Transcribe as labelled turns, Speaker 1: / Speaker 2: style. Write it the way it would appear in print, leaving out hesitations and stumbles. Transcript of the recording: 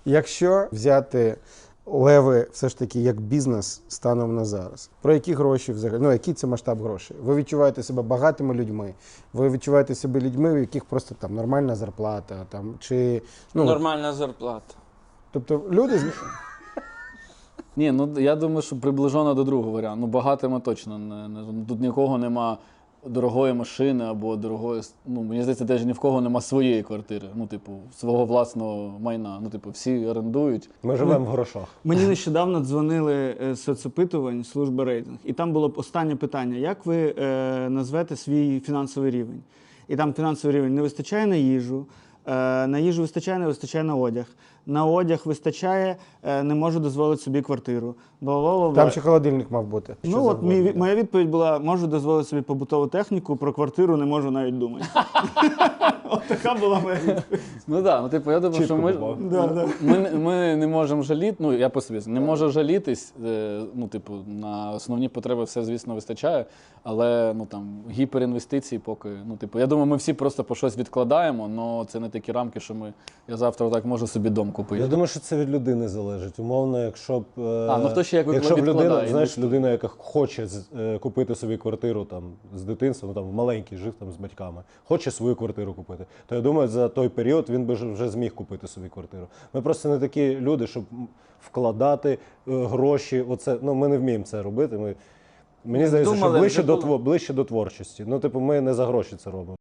Speaker 1: Якщо взяти леви все ж таки як бізнес станом на зараз, про які гроші взагалі, ну який це масштаб грошей? Ви відчуваєте себе багатими людьми, ви відчуваєте себе людьми, у яких просто там нормальна зарплата, там, чи... Ну,
Speaker 2: Нормальна зарплата.
Speaker 1: тобто люди...
Speaker 3: Ні, ну я думаю, що приближено до другого варіанту. Ну, багатими точно тут нікого нема дорогої машини або дорогої. Ну, мені здається, теж ні в кого нема своєї квартири. Ну, типу, свого власного майна. Ну, типу, всі орендують.
Speaker 4: Ми живемо в грошах.
Speaker 5: Мені нещодавно дзвонили з соцопитувань служби рейтинг. І там було останнє питання: як ви назвете свій фінансовий рівень? І там фінансовий рівень: не вистачає на їжу, на їжу вистачає, не вистачає на одяг. На одяг вистачає, не можу дозволити собі квартиру.
Speaker 1: Там ще холодильник мав бути.
Speaker 5: Ну от моя відповідь була: можу дозволити собі побутову техніку, про квартиру не можу навіть думати. От така була моя відповідь.
Speaker 3: Ну так, ну типу, я думаю, що ми не можемо жаліти, ну я по собі не можу жалітись, ну типу, на основні потреби все, звісно, вистачає, але ну там гіперінвестиції поки, ну типу, я думаю, ми всі просто по щось відкладаємо, але це не такі рамки, що я завтра так можу собі дом купити.
Speaker 4: Я думаю, що це від людини залежить. Умовно, якщо б
Speaker 3: ну хто ще як
Speaker 4: якщо б людина, знаєш,
Speaker 3: інвестує.
Speaker 4: людина, яка хоче купити собі квартиру там з дитинства, ну там маленький жив там з батьками, хоче свою квартиру купити, то я думаю, за той період він би вже зміг купити собі квартиру. Ми просто не такі люди, щоб вкладати гроші. Оце, ну ми не вміємо це робити. Мені здається, що ближче до творчості. Ну, типу, ми не за гроші це робимо.